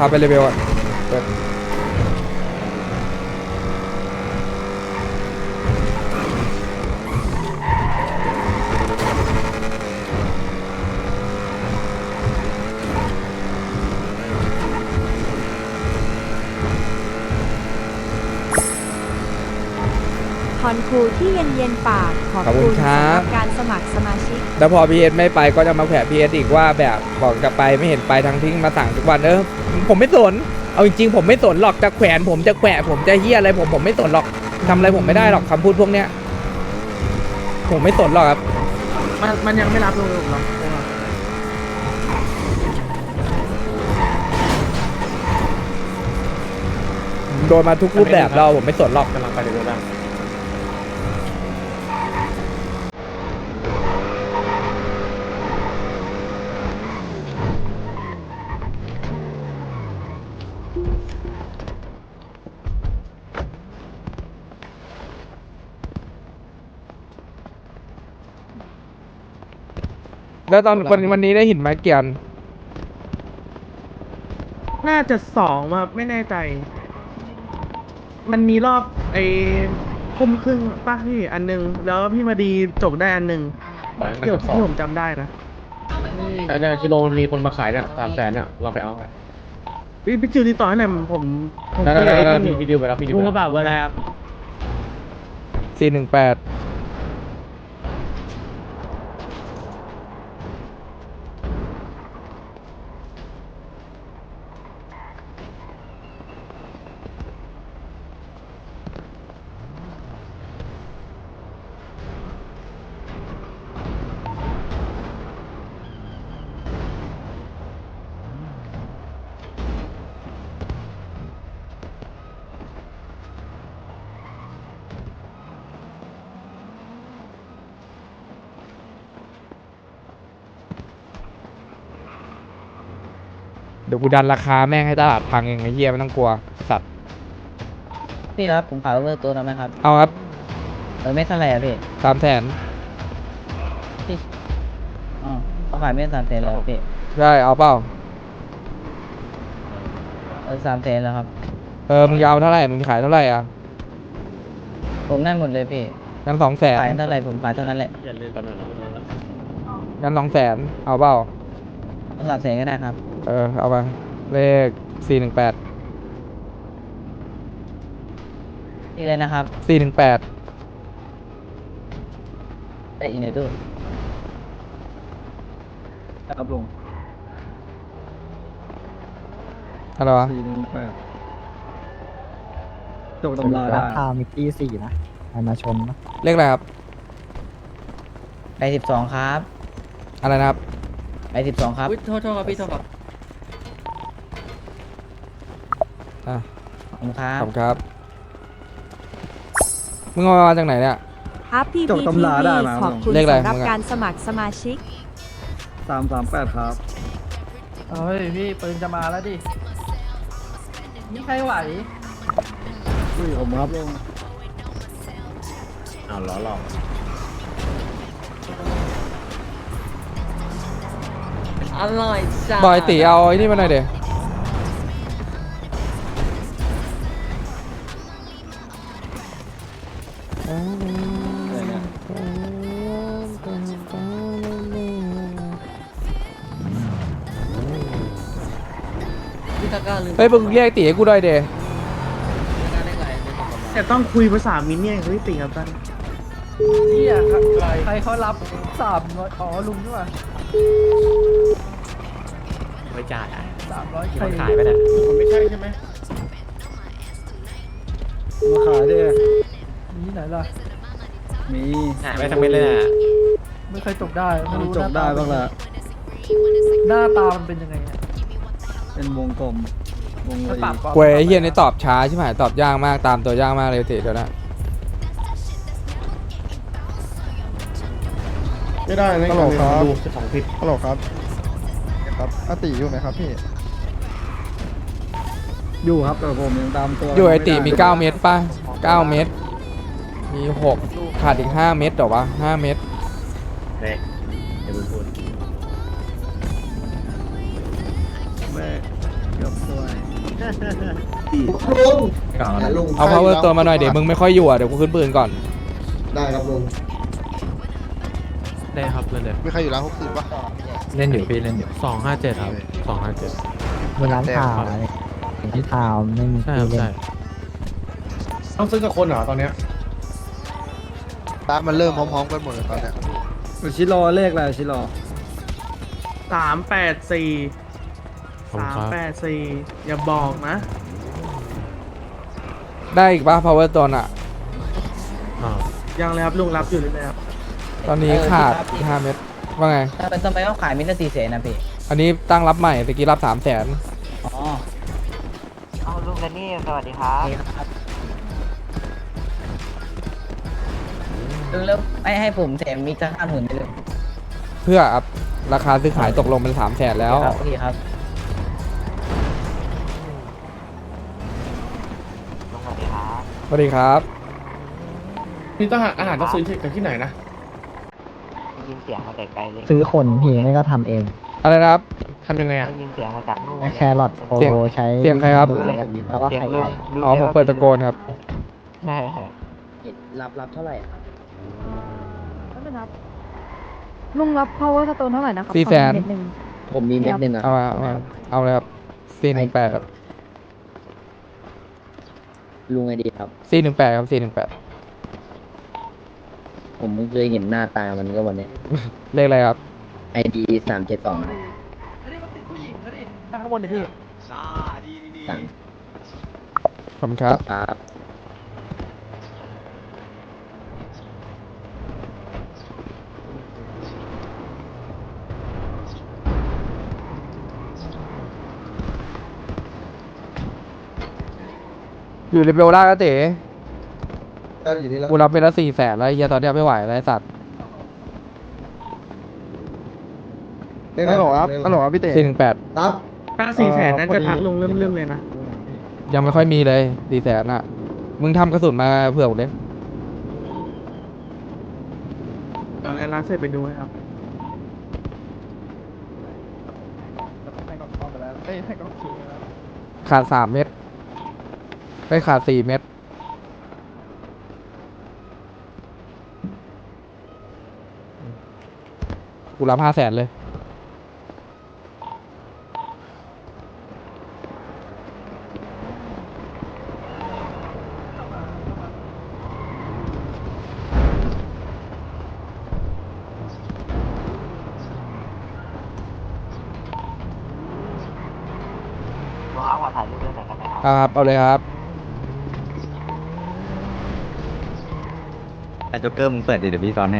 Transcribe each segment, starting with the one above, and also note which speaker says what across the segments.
Speaker 1: าไปเลเวลอ่ะเปิด
Speaker 2: คอนคูที่เย็นๆปากขอบคุณสำหรับการสมัครสมาชิก
Speaker 1: แล้วพอพีเอสไม่ไปก็จะมาแขวะพีเอสอีกว่าแบบบอกจะไปไม่เห็นไปทั้งทิ้งมาสั่งทุกวันผมไม่สนเอาจริงๆผมไม่สนหรอกจะแขวนผมจะแขวะผมจะเฮี้ยอะไรผมไม่สนหรอกทำอะไรผมไม่ได้หรอกคำพูดพวกเนี้ยผมไม่สนหรอกครับ
Speaker 3: มันยังไม่รับลงหรอก
Speaker 1: โดนมาทุกรูปแบบเราผมไม่สนหรอก
Speaker 4: กำลังไปเรื่อยๆ
Speaker 1: แล้วตอนวันนี้ได้เห็นไหมเกียน
Speaker 3: น่าจะ2มาไม่แน่ใจมันมีรอบทุ่มครึ่งป่ะพี่อันนึงแล้วพี่มาดีจบได้อันนึงที่ผมจำได้นะ
Speaker 4: เนี่ยที่โรงมีคนมาขายเนี่ย300,000เนี่ยเราไปเอาไป
Speaker 3: พี่จิวติดต่อให้หน่อยผม
Speaker 4: ได้พี่ดิวไปแล้วพี่ดิว
Speaker 3: ลุงกระบะเบอร์อะไรครับ
Speaker 1: 418เดี๋ยวกูดันราคาแม่งให้ตลาดพังเองไอ้เหี้ยไม่ต้องกลัวสัตว์
Speaker 5: พี่ครับผมขายเวอร์ตัวนั้นไหมครับ
Speaker 1: เอาครับ
Speaker 5: ไม่เท่าไหร่อะพี่
Speaker 1: 300,000
Speaker 5: พี่เขาขายไม่300,000แล้วพี่
Speaker 1: ได้เอาเปล่า
Speaker 5: 300,000แล้วครับ
Speaker 1: มึงยาวเท่าไหร่มึงขายเท่าไหร่อ่ะ
Speaker 5: ผมได้หมดเลยพี่
Speaker 1: งั้น200,000
Speaker 5: ขายเท่าไหร่ผมขายเท่านั้นแหละ
Speaker 1: งั้น200,000เอาเปล่า
Speaker 5: 300,000ก็ได้ครับ
Speaker 1: เอาไปเลข418
Speaker 5: นี่เลยนะครับ
Speaker 1: 418
Speaker 5: ไปอีกในตู้ครับลุง
Speaker 1: อะไรวะ
Speaker 5: 418จบตำราได้
Speaker 6: มีตี4นะมาชมนะ
Speaker 1: เลขอะไรครับ
Speaker 5: ไป12ครับ
Speaker 1: อะไรนะครับ
Speaker 5: ไป12ครับ
Speaker 3: โทษครับพี่โทษครับ
Speaker 5: ขอบคุณครับ
Speaker 1: ขอบคุณครับมึงเอามาจากไหนเนี่ย
Speaker 2: อัพพีพีทีขอบคุณสำหรับการสมัครสมาชิก
Speaker 5: 338ครับ
Speaker 3: เฮ้ยพี่ปืนจะมาแล้วดินี่ใครไหว
Speaker 5: ผมครับลุง
Speaker 4: ล้อหลอก
Speaker 3: อร่อยจ้า
Speaker 1: บอยตีเอาไอ้นี่มาหน่อยเดี๋ยวเฮ้ยมึงเรียกตีให้กูหน่อยเดี๋ยว
Speaker 3: แต่ต้องคุยภาษามินเนี่ยพี่ติครับท่านนี่อ่ะใครเขารับ300ลุงใช่ป่ะ
Speaker 4: ไม่จ่าย
Speaker 3: 300ใคร
Speaker 4: ขายไปเนี่ย
Speaker 3: มันไม่ใช่ใช่ไหม
Speaker 5: มาขายดิ
Speaker 3: มีไหนล่ะ
Speaker 5: มี
Speaker 4: หายไปทั้งเม็ดเลยนะ
Speaker 3: ไม่เคยจบได้ไม่รู้
Speaker 5: จบได้บ้างละ
Speaker 3: หน้าตามันเป็นยังไง
Speaker 5: เป็นวงกลม
Speaker 1: เว้ยเฮียนี่ตอบช้าใช่ไหมตอบยากมากตามตัวยากมากเลยติเดี๋ยวนะ
Speaker 7: ไม่ได้นะ
Speaker 4: ฮัลโหลครับดู12 ผิด
Speaker 7: ฮัลโหลครับครับอาติอยู่ไหมครับพี่
Speaker 5: อยู่ครับแต่ผมยังตามตัว
Speaker 1: อยู่ไอติมี9เม็ดป่ะ9เม็ดมี6ขาดอีก5เม็ดหรอวะ5เม็ด
Speaker 4: เนี่ยเดี๋ยวพูด
Speaker 8: ลุง
Speaker 1: เอา power ตัวมาหน่อยเดี๋ยวมึงไม่ค่อยอยู่อ่ะเดี๋ยวกูขึ้นปืนก่อน
Speaker 8: ได้ครับลุง
Speaker 4: ได้ครับเล่นเลย
Speaker 7: มีใครอยู่ร้าน60ป่ะ
Speaker 6: เล่นอยู่พี่เล่นอยู่
Speaker 4: 257ครับ257
Speaker 6: มีร้านข่าวอะไรที่ข่าวไม่มี
Speaker 4: ใช่
Speaker 6: ที่
Speaker 4: ครับ
Speaker 6: เล่
Speaker 4: ใช่
Speaker 6: น
Speaker 4: ต้องซื้อกับคนเหรอตอนเนี้ย
Speaker 7: ร้านมันเริ่มพร้อมๆกันหมดเลยตอนเนี้ย
Speaker 6: ชิโร่เลขอะไรชิโร่
Speaker 3: 384 384อย่าบอกนะ
Speaker 1: ได้อีกป่ะ power ตัวน่ะ
Speaker 3: ยังเลยครับลุงรับอยู่เลยครับ
Speaker 1: ตอนนี้ขาดอีก5 เม็ดว่าไง
Speaker 5: ทำไมต้องขายมิลละ400,000นะพี่
Speaker 1: อันนี้ตั้งรับใหม่ตะกี้รับ300,000
Speaker 5: อ๋อ
Speaker 9: เอาลุงแดนนี่สวัสดีครับ
Speaker 5: นี่ครับลุงแล้วไม่ให้ผมแถมมิกสัก50,000ไปเลย
Speaker 1: เพื่ออัพราคาซื้อขายตกลงเป็น300,000แล้ว
Speaker 5: ครับโอเคครับ
Speaker 9: ลุงสวัสดีครับ
Speaker 1: สวัสดีครับ
Speaker 4: นี่ต้องอาหารต้องซื้อจากที่ไหนนะ
Speaker 9: ได้ยินเสียงมาแต่ไกลเลย
Speaker 6: ซื้อคนพี่ไม่ก็ทำเอง
Speaker 1: อะไรนะครับ
Speaker 4: ทำยังไงอ่ะ
Speaker 9: ได้ยินเสียงมาจากนู่น
Speaker 6: แครอทโอ
Speaker 1: เสียง
Speaker 6: โหใช้
Speaker 1: เสียงใครครับ
Speaker 6: แล้วก็
Speaker 9: เสียง
Speaker 6: ไข่
Speaker 9: ลุง
Speaker 6: ไก่
Speaker 1: อ๋อผมเปิดตะโกนครับ
Speaker 9: ใช่ครับ
Speaker 5: รับเท่าไหร่
Speaker 2: ลุงรับ power stone เท่าไหร่นะครับ
Speaker 1: 400,000
Speaker 2: ขอเม็ดหนึ่ง
Speaker 5: ผมมีเม็ดหนึ่งอ่ะ
Speaker 1: เอาเลยครับ418ครับ
Speaker 5: ลุงไอดีครับ
Speaker 1: 418ครับ418
Speaker 5: ผมเพิ่งเคยเห็นหน้าตามันก็วันนี้
Speaker 1: เลขอะไรครับ
Speaker 5: ไอดี372
Speaker 3: ข้างบนนี่คือ
Speaker 5: สั่ง
Speaker 1: ขอบคุณครับ
Speaker 5: ครับ
Speaker 1: อยู่ในเบลล่าก็เต๋
Speaker 8: ได้อยู่นี่แล้ว
Speaker 1: กูรับไปแล้ว400,000แล้วไอ้เฮียตอนเนี้ยไม่ไหวแล้วไอ้สัตว์
Speaker 7: ฮัลโหลครับฮัลโหลครับพี่เต้
Speaker 1: 418
Speaker 8: รับ
Speaker 3: ถ้า400,000นั่นจะทักลุงเริ่มเลยนะ
Speaker 1: ยังไม่ค่อยมีเลย400,000น่ะมึงทำกระสุนมาเผื่อกูเลย
Speaker 3: เดี๋ยวร้านเสร็จไปดูให้ครับ
Speaker 7: ให้กล้องซื้อนะ
Speaker 1: ขาด3 เม็ดไปขาด4 เม็ดกูรับ500,000เลย
Speaker 9: ลุงเอามาถ่ายรูปด้วยหน่อยกันนะครับ
Speaker 1: ครับเอาเลยครับ
Speaker 6: แต่โจ๊กเกอร์มึงเปิดดิเดี๋ยวพี่ซ้อนให้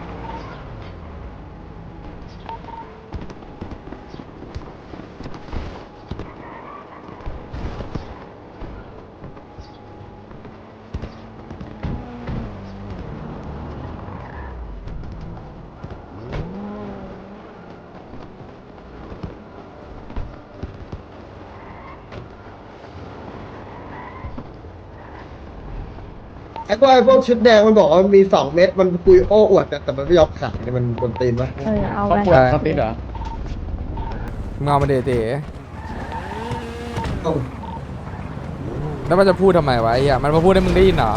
Speaker 8: ไอ้พวกชุดแดงมันบอกว่ามันมี2 เม็ดมันคุยโอ้อวดแต่มันไม่ยอมขายเนี่ยมันบนตีนปะ
Speaker 2: เอา
Speaker 4: ครอบ
Speaker 2: ไป
Speaker 4: ครัวสติดเหรอ
Speaker 1: มึงเอามาเดเต๋
Speaker 8: เอ้า
Speaker 1: แล้วมันจะพูดทำไมวะไอ้เหี้ยมันมาพูดให้มึงได้ยินเหรอ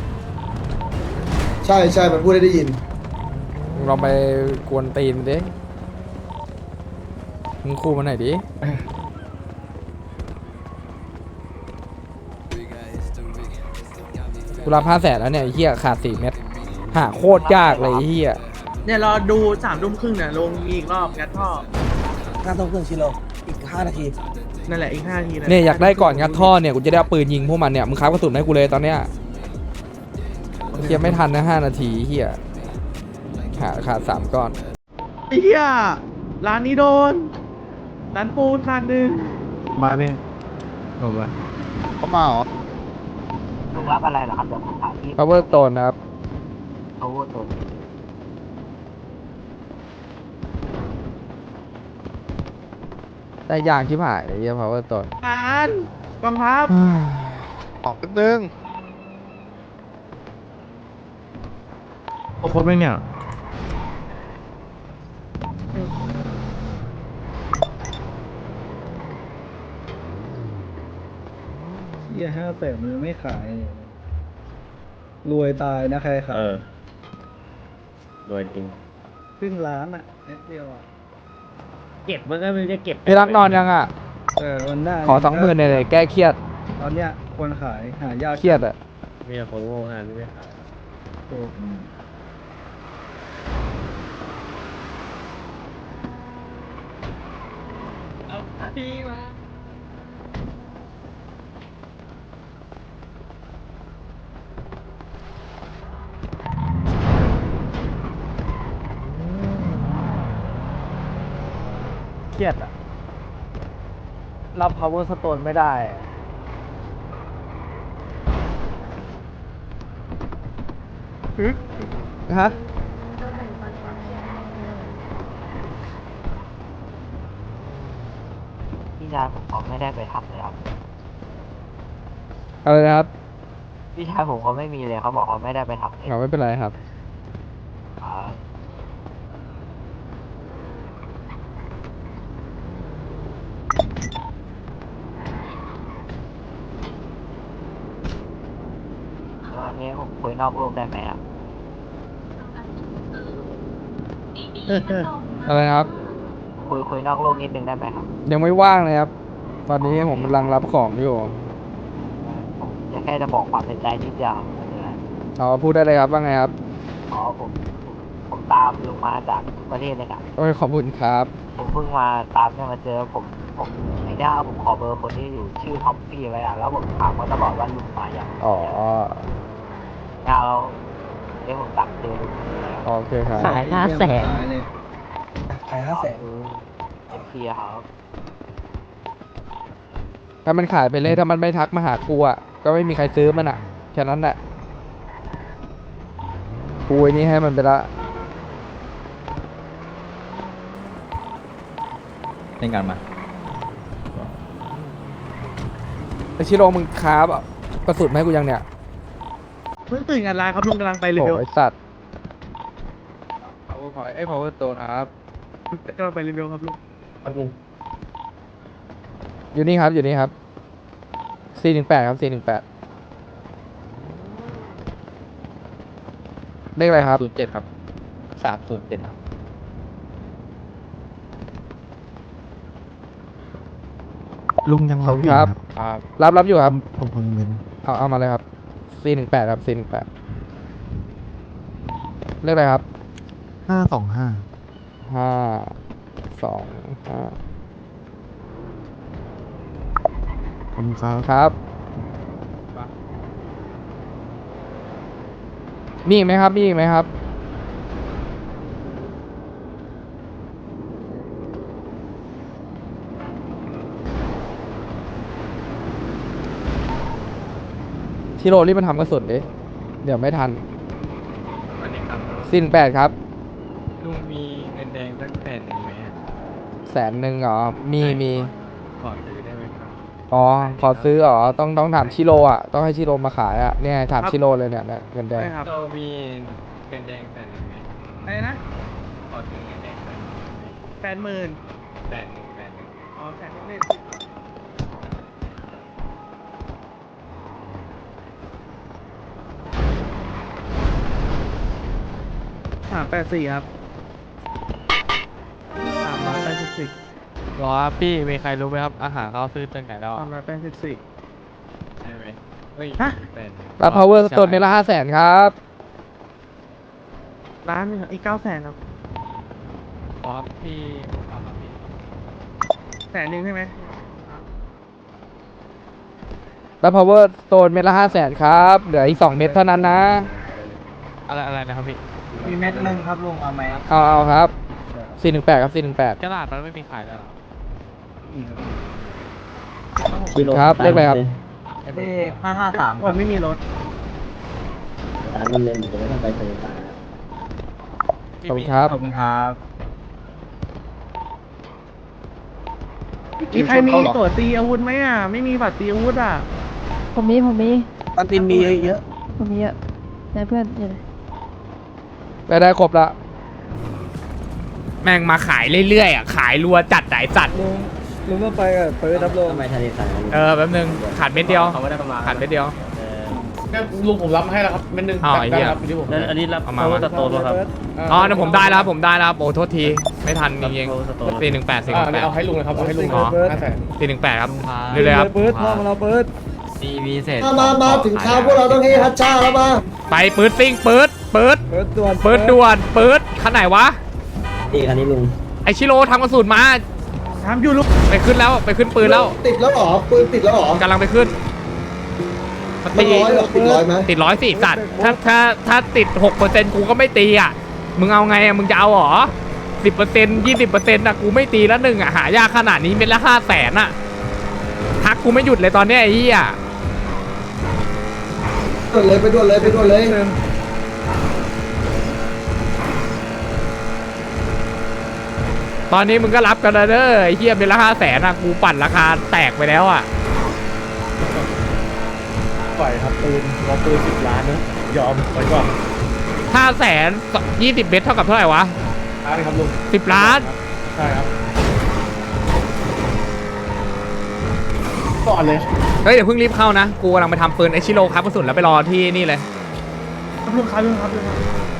Speaker 8: ใช่มันพูดได้ยิน
Speaker 1: มึงลองไปกวนตีนมันดิมึงคู่มันหน่อยดิกูรับ500,000แล้วเนี่ยไอ้เหี้ยขาด4 เม็ดหาโคตรยากเลยไอ้เหี้ย
Speaker 3: เนี่ยรอดู3 ทุ่มครึ่งเนี่ยลงอีกรอบงัดท่อ
Speaker 5: 5 ทุ่มครึ่งชิโลอีก5 นาที
Speaker 3: นั่นแหละอีก5 นาที
Speaker 1: เนี่ยอยากได้ก่อนงัดท่อเนี่ยกูจะได้เอาปืนยิงพวกมันเนี่ยมึงค้ากระสุนให้กูเลยตอนเนี้ยเฮียไม่ทันนะ5 นาทีเฮียขาด3 ก้อน
Speaker 3: ไอ้เหี้ยร้านนี้โดนร้านปูนร้านหนึ่ง
Speaker 6: มาพี่โอ้ย
Speaker 7: เขามาเหรอ
Speaker 9: ลุงรับอะไรเหรอครับเดี๋ยวผมถามพี่
Speaker 1: power stone นะครับ
Speaker 9: เขาพูดตัว
Speaker 1: ได้ยางที่ผ่ายไอ้เฮีย power stone
Speaker 3: ร้านกองทัพ
Speaker 7: ออกแป๊บนึง
Speaker 4: โคตรไม่เนี่ย
Speaker 6: อย่า500,000มันไม่ขาย รวยตายนะใครขาย
Speaker 4: รวยจริง
Speaker 6: ครึ่งล้านอ่ะเน็ตเดียวอ่ะ
Speaker 4: เก็บมันก็ไม่ได้เก็บ
Speaker 1: พี่รักนอนยังอ่ะ
Speaker 6: วันหน้า
Speaker 1: ขอ20,000เนี่ยแก้เครียด
Speaker 6: ตอนเนี้ยคนขายหายาก
Speaker 1: เครียดอ่ะ
Speaker 4: มีแต่คนโง่ขนาดนี้ไม่ขาย
Speaker 1: เครียดอ่ะ รับ power stone ไม่ได้ ฮะ
Speaker 9: พี่ชายผมเขาไม่ได้ไปทำเลยครับ
Speaker 1: อะไรนะครับ
Speaker 9: พี่ชายผมเขาไม่มีเลยเขาบอกเขาไม่ได้ไปทำเลย
Speaker 1: ไม่เป็นไรครับ
Speaker 9: วันนี้ผมคุยนอกโลกได้ไหมครับ
Speaker 1: อะไรนะครับ
Speaker 9: คุยนอกโลกนิดนึงได้ไหมครับ
Speaker 1: ยังไม่ว่างเลยครับ ตอนนี้ผมกำลังรับของอยู่
Speaker 9: ผมจะแค่จะบอกความในใจนิดเดียวครับไม่เป็นไร
Speaker 1: เอาพูดได้เลยครับว่าไงครับ
Speaker 9: อ๋อผมตามลงมาจากประเทศเลยครับ
Speaker 1: โอ้ยขอบคุณครับ
Speaker 9: ผมเพิ่งมาตามเนี่ยมาเจอผมไอ้ด้าผมขอเบอร์คนที่อยู่ชื่อท็อปปี้ไว้อะแล้วผมถามเขาตลอดว่าลุงมาอย่าง
Speaker 1: อ๋อ
Speaker 9: แล้วผมตักเจอลุง
Speaker 1: โอเคครับ
Speaker 5: ขาย500,000
Speaker 6: ขายเลย
Speaker 1: ขาย500,000
Speaker 9: เอ็มพีครับ
Speaker 1: ถ้ามันขายไปเลยถ้ามันไม่ทักมาหากูอ่ะก็ไม่มีใครซื้อมันอ่ะแค่นั้นแหละกูไอ้นี่ให้มันไปละ
Speaker 6: เล่นกันมา
Speaker 1: ไอชิโร่มึงค้าบอ่ะกระสุนมาให้กูยังเนี่ย
Speaker 3: เพิ่งตื่นงานร้านครับลุงกำลังไปเร็ว
Speaker 1: โอ้ยสัตว์ไอ้ power stone ครับ
Speaker 3: กำลังไปเร็วครับลุง
Speaker 1: อยู่นี่ครับอยู่นี่ครับ 418 ครับ 418 เลขอะไรครับ
Speaker 6: 07 ครับ 307 ครับ ลุงยัง
Speaker 1: ขอบคุณครับ รับอยู่ครับ
Speaker 6: ผมเงิน
Speaker 1: เอามาเลยครับ 418 ครับ 418 เลขอะไรครับ
Speaker 6: 525
Speaker 1: 525
Speaker 6: ผมครับ
Speaker 1: ครับ มีอีกไหมครับ มีอีกไหมครับ ชิโร่รีบมาทำกระสุนดิ เดี๋ยวไม่ทัน418 ครับ
Speaker 6: ลุงมีเงินแดงสัก100,000ไหม
Speaker 1: 100,000เหรอ มี
Speaker 6: ขอซื้อได้ไหมครับ
Speaker 1: อ๋อ ขอซื้อเหรอ ต้องถามชิโร่อ่ะ ต้องให้ชิโร่มาขายอ่ะ เนี่ยถามชิโร่เลยเนี่ยเงินแดง
Speaker 3: ใช่ครับ
Speaker 6: เรามีเงินแดง100,000ไหม
Speaker 3: อะไรนะ
Speaker 6: ขอซื้อเงินแดง100,000ไหม
Speaker 3: 80,000
Speaker 6: 100,000
Speaker 3: อ๋อแสนนิด384ครับ384
Speaker 6: รอครับพี่มีใครรู้ไหมครับ อาหารเขาซื้อตั้งไหนแล้ว
Speaker 3: 384
Speaker 6: ใช่ไหมเฮ้ย
Speaker 3: ฮะ
Speaker 1: รับ power stone ในละ500,000 ครับ
Speaker 3: ร้านหนึงครับอีก900,000ครับ
Speaker 6: อ๋อพี่เอาครับพี่
Speaker 3: 100,000ใช่ไหม
Speaker 1: รับ power stone เม็ดละ500,000 ครับ เหลืออีก2 เม็ดเท่านั้นนะ
Speaker 6: อะไรนะครับพี่
Speaker 5: มีเม็ดนึงครับลุงเอาไหม
Speaker 1: เอาครับ418ครับ418
Speaker 6: กระดาษมันไม่มีขายแล้วเหรอ
Speaker 1: ครับเลขอะไรครับ
Speaker 5: เลข553
Speaker 3: ผมไม่มีรถ
Speaker 1: ขอบคุณครับ
Speaker 5: ขอบคุณครับ
Speaker 3: มีใครมีตั๋วตีอาวุธไหมอ่ะ ไม่มีบัตรตีอาวุธอ่ะ
Speaker 2: ผมมี
Speaker 3: ตันตินมีเยอะ
Speaker 2: ผมมีเยอะนะเพื่อนเดี๋ยว
Speaker 1: ได้ครบละแม่งมาขายเรื่อยๆอ่ะ ขายรัวจัดไหนสัตว์
Speaker 6: ลุงต้องไปกับเปิดรับลง
Speaker 5: ทำไมทะเลทราย
Speaker 1: แป๊บนึงขาดเม็ดเดียว
Speaker 4: เขาไม่ได้ประมาณ
Speaker 1: ขาดเม็ดเดียว
Speaker 4: ก็ลุงผมรับมาให้แล้วครับเม็ดหนึง
Speaker 1: อ้าวไอ้เหี้ย
Speaker 4: ด้ครับที่ผม
Speaker 5: แล้วอันนี้รับ
Speaker 1: เอามา
Speaker 5: เขาสโตนป่ะครับ
Speaker 1: อ๋อเดี๋ยวผมได้แล้วครับผมได้แล้วครับโอ้โทษทีไม่ทันจริงๆ418
Speaker 4: อ่าเนี่ยเอาให้ลุงเลยครับเอาให้ลุง
Speaker 1: อ๋อ
Speaker 4: 500,000
Speaker 1: 418ครับเรื่อยๆครับ
Speaker 6: เปิดพ่อมาเราเปิด
Speaker 8: มาถึงเช้าพวกเราต้องเฮฮัชชาแล้วมา
Speaker 1: ไปปืดซิ่งปืด
Speaker 6: เปิดด่วน
Speaker 1: ปืดด่วนปืดคันไหนวะ
Speaker 5: นี่คันนี้ลุง
Speaker 1: ไอชิโร่ทำกระสุนมา
Speaker 3: ทำอยู่ลูก
Speaker 1: ไปขึ้นแล้วไปขึ้นปืนแล้ว
Speaker 8: ติดแล้วเหรอปืนติดแล้วเหรอก
Speaker 1: ำลังไปขึ้น
Speaker 8: มันร้อยเหรอติดร้อยไหม
Speaker 1: ติด104สัตว์ถ้าติด 6%กูก็ไม่ตีอ่ะมึงเอาไงอ่ะมึงจะเอาเหรอ 10% 20%อ่ะกูไม่ตีแล้วหนึ่งอ่ะหายากขนาดนี้เป็นละ500,000อ่ะทักกูไม่หยุดเลยตอนเนี้ยไอ้เหี้ย
Speaker 8: ไปด่วนเลย
Speaker 1: ตอนนี้มึงก็รับกันแล้วเด้อไอ้เหี้ยเป็นละ500,000อ่ะกูปั่นราคาแตกไปแล้วอ่ะ
Speaker 4: ปล่อยครับปืนรอปืน10 ล้านนะยอมไว้ก่อน
Speaker 1: 500,000 20 เม็ดเท่ากับเท่าไหร่วะ
Speaker 4: ล้านครับลุง
Speaker 1: 10 ล้าน
Speaker 4: ใช่ครับก่อนเลย
Speaker 1: เฮ้ยเดี๋ยวเพิ่งรีบเข้านะกูกำลังไปทำปืนไอชิโร่ครับกระสุนแล้วไปรอที่นี่เลย
Speaker 3: ลุงครับ